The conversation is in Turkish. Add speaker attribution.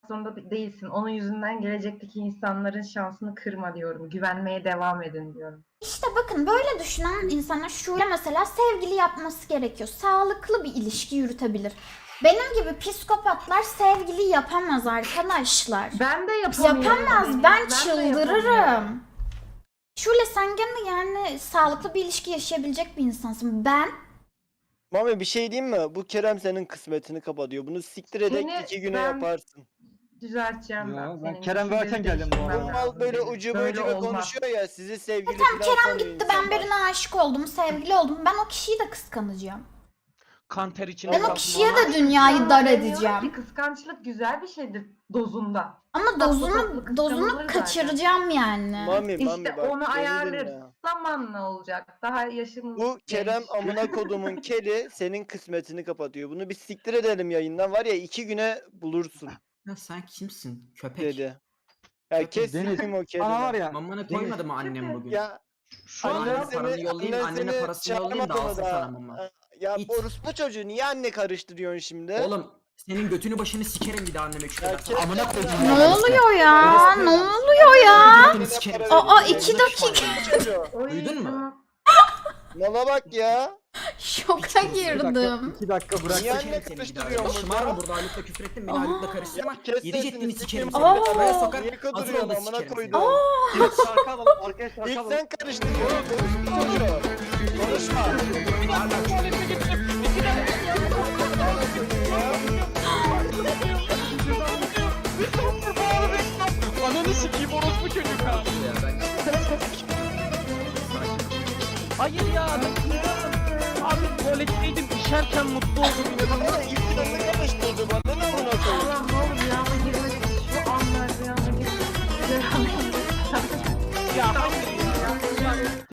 Speaker 1: zorunda değilsin. Onun yüzünden gelecekteki insanların şansını kırma diyorum. Güvenmeye devam edin diyorum.
Speaker 2: İşte bakın böyle düşünen insanlar şöyle mesela sevgili yapması gerekiyor. Sağlıklı bir ilişki yürütebilir. Benim gibi psikopatlar sevgili yapamaz arkadaşlar.
Speaker 1: Ben de yapamıyorum.
Speaker 2: Yapamaz.
Speaker 1: Deniz,
Speaker 2: Ben
Speaker 1: de
Speaker 2: çıldırırım.
Speaker 1: yapamıyorum.
Speaker 2: Şöyle sen gene yani sağlıklı bir ilişki yaşayabilecek bir insansın. Ben
Speaker 3: Mami bir şey diyeyim mi? Bu Kerem senin kısmetini kapatıyor. Bunu siktir edek
Speaker 1: Seni
Speaker 3: 2 güne
Speaker 1: ben
Speaker 3: yaparsın.
Speaker 1: Düzelteceğim
Speaker 4: Ya,
Speaker 1: ben.
Speaker 4: ben
Speaker 1: Senin
Speaker 4: Kerem varken geldim bu
Speaker 3: Bu
Speaker 4: arada.
Speaker 3: mal böyle ucube
Speaker 1: Böyle
Speaker 3: ucube
Speaker 1: olmaz.
Speaker 3: konuşuyor ya sizi sevgili
Speaker 2: tamam
Speaker 3: falan
Speaker 2: Kerem
Speaker 3: sanıyor
Speaker 2: gitti ben
Speaker 3: insanlar.
Speaker 2: birine aşık oldum, sevgili oldum. Ben o kişiyi de kıskanacağım.
Speaker 5: Kan ter içinde
Speaker 2: Ben o
Speaker 5: kaldım
Speaker 2: kişiye
Speaker 5: ama-
Speaker 2: de dünyayı dar
Speaker 1: Demiyorum
Speaker 2: edeceğim.
Speaker 1: ki kıskançlık güzel bir şeydir dozunda.
Speaker 2: Ama
Speaker 1: tatlı kıskanılır
Speaker 2: dozunu
Speaker 1: zaten.
Speaker 2: kaçıracağım yani.
Speaker 3: Mami
Speaker 1: İşte
Speaker 3: bak
Speaker 1: onu
Speaker 3: beni
Speaker 1: ayarlarız.
Speaker 3: dinle.
Speaker 1: Zamanla olacak. Daha yaşımız
Speaker 3: Bu Kerem
Speaker 1: genç.
Speaker 3: amına kodumun keli senin kısmetini kapatıyor. Bunu bir siktir edelim yayından var ya 2 güne bulursun
Speaker 6: Ya sen kimsin? Köpek.
Speaker 3: dedi. Ya kes
Speaker 4: Deniz,
Speaker 3: sikeyim o kelini.
Speaker 4: Bana var ya.
Speaker 6: Mamana koymadı mı annem bugün?
Speaker 3: Ya
Speaker 6: Şu
Speaker 3: annen
Speaker 6: anneme paranı yollayayım, annene
Speaker 3: seni
Speaker 6: parasını yollayayım da
Speaker 3: çağırmadı
Speaker 6: alsın
Speaker 3: mı
Speaker 6: sana
Speaker 3: daha?
Speaker 6: mama.
Speaker 3: Ya
Speaker 6: İt.
Speaker 3: orospu çocuğu niye anne karıştırıyorsun şimdi?
Speaker 6: Oğlum senin götünü başını sikerim bir daha anneme küfür
Speaker 3: Ya
Speaker 6: edersen.
Speaker 3: kes
Speaker 6: Amına
Speaker 3: lan.
Speaker 6: koyayım.
Speaker 2: Ne oluyor ya? Ne oluyor ya?
Speaker 6: Götünü sikerim.
Speaker 2: Aa 2 dakika.
Speaker 1: Oy,
Speaker 6: Duydun mu?
Speaker 1: tamam.
Speaker 3: Mala bak ya.
Speaker 2: Şoka girdim.
Speaker 4: 2 dakika bırak.
Speaker 3: Niye
Speaker 6: Sikerim
Speaker 3: anne
Speaker 6: seni bir daha.
Speaker 3: kıpıştırıyorsun
Speaker 6: Şımarma
Speaker 3: burada?
Speaker 6: burada Haluk'la küfür ettin beni Haluk'la karıştırma.
Speaker 3: Ya kes
Speaker 6: Yedi
Speaker 3: sesini,
Speaker 6: ceddini
Speaker 3: sikeyim
Speaker 6: sikerim
Speaker 3: seni.
Speaker 6: seni.
Speaker 2: Aa.
Speaker 6: Buraya sokar.
Speaker 3: Niye
Speaker 6: Hazır
Speaker 3: kıdırıyorsun
Speaker 6: ol da
Speaker 3: amına
Speaker 6: sikerim seni.
Speaker 3: koydum.
Speaker 4: Şarkı alalım. Arkaya şarkı
Speaker 3: İlk
Speaker 4: alalım.
Speaker 3: sen karıştırdın oğlum orospu çocuğu. Konuşma.
Speaker 5: Ananı sikeyim orospu çocuk ha. Hayır ya. Abi tuvaletteydim işerken mutlu oldum.
Speaker 3: Ama ilk sen karıştırdı bana ne amına koyayım.
Speaker 1: Allah'ım ne olur rüyama girmesin. Şu anlar rüyama girmesin.
Speaker 5: Ya hayır ya.